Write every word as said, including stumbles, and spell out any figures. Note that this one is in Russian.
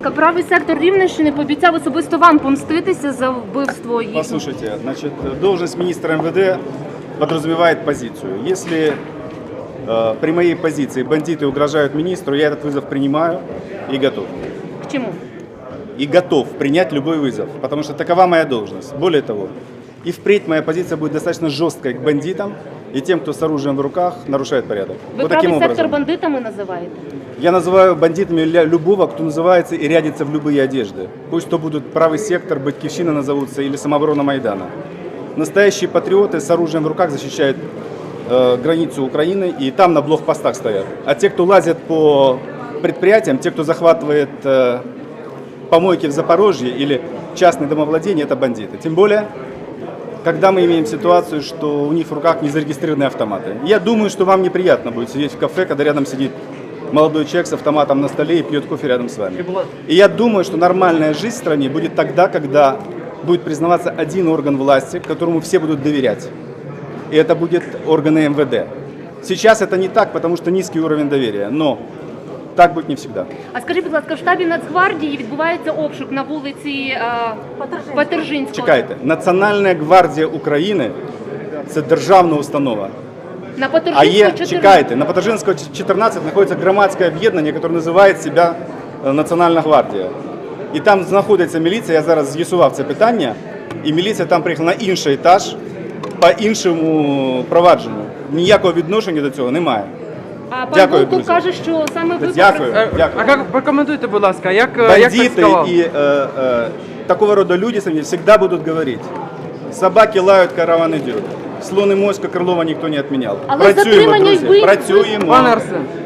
Правий сектор Рівненщини пообіцяв особисто вам помститися за вбивство їх. Послушайте, значит, должность министра эм вэ дэ подразумевает позицию. Если э, при моей позиции бандиты угрожают министру, я этот вызов принимаю и готов. К чему? И готов принять любой вызов, потому что такова моя должность. Более того, и впредь моя позиция будет достаточно жесткой к бандитам и тем, кто с оружием в руках нарушает порядок. Ви Вот правий таким сектор образом. бандитами називаєте? Я называю бандитами ля- любого, кто называется и рядится в любые одежды. Пусть то будут правый сектор, Батьківщина назовутся или самооборона Майдана. Настоящие патриоты с оружием в руках защищают э, границу Украины и там на блокпостах стоят. А те, кто лазят по предприятиям, те, кто захватывает э, помойки в Запорожье или частные домовладения, это бандиты. Тем более, когда мы имеем ситуацию, что у них в руках незарегистрированные автоматы. Я думаю, что вам неприятно будет сидеть в кафе, когда рядом сидит молодой человек с автоматом на столе и пьет кофе рядом с вами. И я думаю, что нормальная жизнь в стране будет тогда, когда будет признаваться один орган власти, которому все будут доверять. И это будет органы эм вэ дэ. Сейчас это не так, потому что низкий уровень доверия, но так будет не всегда. А скажіть, будь ласка, в штабі Нацгвардії відбувається обшук на вулиці е, Патержинського. Чекайте, Національна гвардія України – це державна установа. На А Патержинського є, чотирнадцять. чекайте, на Патержинського чотирнадцять знаходиться громадське об'єднання, яке називає себе е, Національна гвардія. І там знаходиться міліція, я зараз з'ясував це питання, і міліція там приїхала на інший етаж по іншому провадженню. Ніякого відношення до цього немає. А пан Дякую, Волков друзі. каже, що саме ви Дякую. попри- Дякую. А як прокоментуйте, будь ласка, як, як так Бандиты сказав? и э, э, такого рода люди со мной всегда будут говорить: собаки лают, караван идет. Слон и моська Крылова никто не отменял. Але Працюємо, затримання й друзі, вбивство- працюємо. Пане Арсен,